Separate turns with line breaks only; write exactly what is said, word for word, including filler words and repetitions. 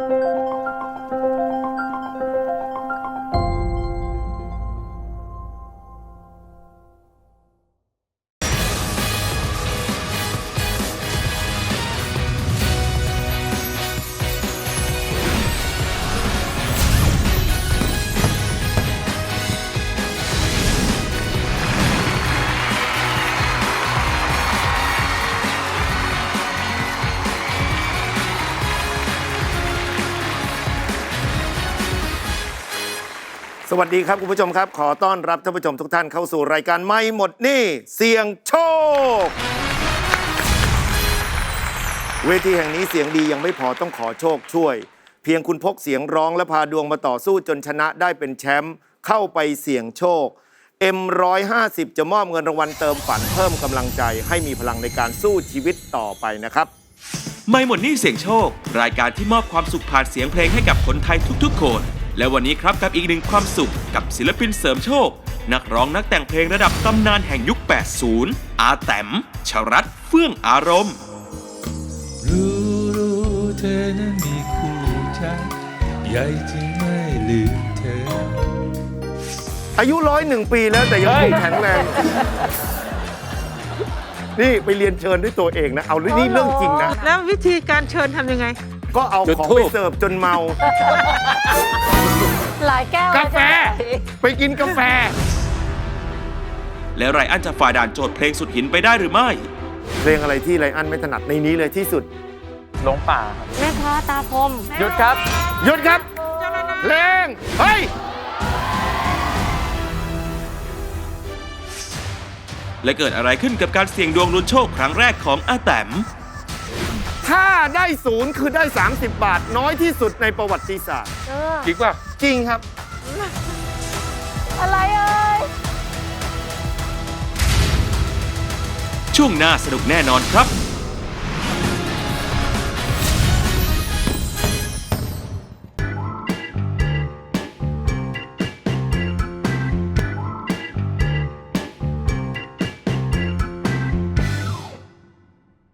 สวัสดีครับคุณผู้ชมครับขอต้อนรับท่านผู้ชมทุกท่านเข้าสู่รายการไม่หมดหนี้เสี่ยงโชคเวทีแห่งนี้เสียงดียังไม่พอต้องขอโชคช่วยเพียงคุณพกเสียงร้องและพาดวงมาต่อสู้จนชนะได้เป็นแชมป์เข้าไปเสี่ยงโชค เอ็ม หนึ่งร้อยห้าสิบ จะมอบเงินรางวัลเติมฝันเพิ่มกำลังใจให้มีพลังในการสู้ชีวิตต่อไปนะครับ
ไม่หมดหนี้เสี่ยงโชครายการที่มอบความสุขผ่านเสียงเพลงให้กับคนไทยทุกๆคนและวันนี้ครับกับอีกหนึ่งความสุขกับศิลปินเสริมโชคนักร้องนักแต่งเพลงระดับตำนานแห่งยุค แปดสิบ อาแต๋มชรัตน์เฟื่องอารมณ์
รู้รู้เธอนั้นมีคู่ใจใหญ่จริงไม่ลืมเธอ
อายุร้อยหนึ่งปีแล้วแต่ยังคงแข็งแรงนี่ไปเรียนเชิญด้วยตัวเองนะเอานี่เรื่องจริงนะ
แล้ววิธีการเชิญทำยังไง
ก็เอาของไปเสิร์ฟจนเมา
หลายแก้ว
กาแฟไปกินกาแฟ
แล้วไรอันจะฝ่าด่านโจทย์เพลงสุดหินไปได้หรือไม่
เพลงอะไรที่ไรอันไม่ถนัดในนี้เลยที่สุด
หลงป่าครับ
แม่ค้าตาคม
หยุดครับ
หยุดครับเพลงเฮ้ย
และเกิดอะไรขึ้นกับการเสี่ยงดวงลุ้นโชคครั้งแรกของอาแต๋ม
ถ้าได้ศูนย์คือได้สามสิบบาทน้อยที่สุดในประวัติศาสตร์
จริงป่ะ
จริงครับ
อะไรเอ่ย
ช่วงหน้าสนุกแน่นอนครับ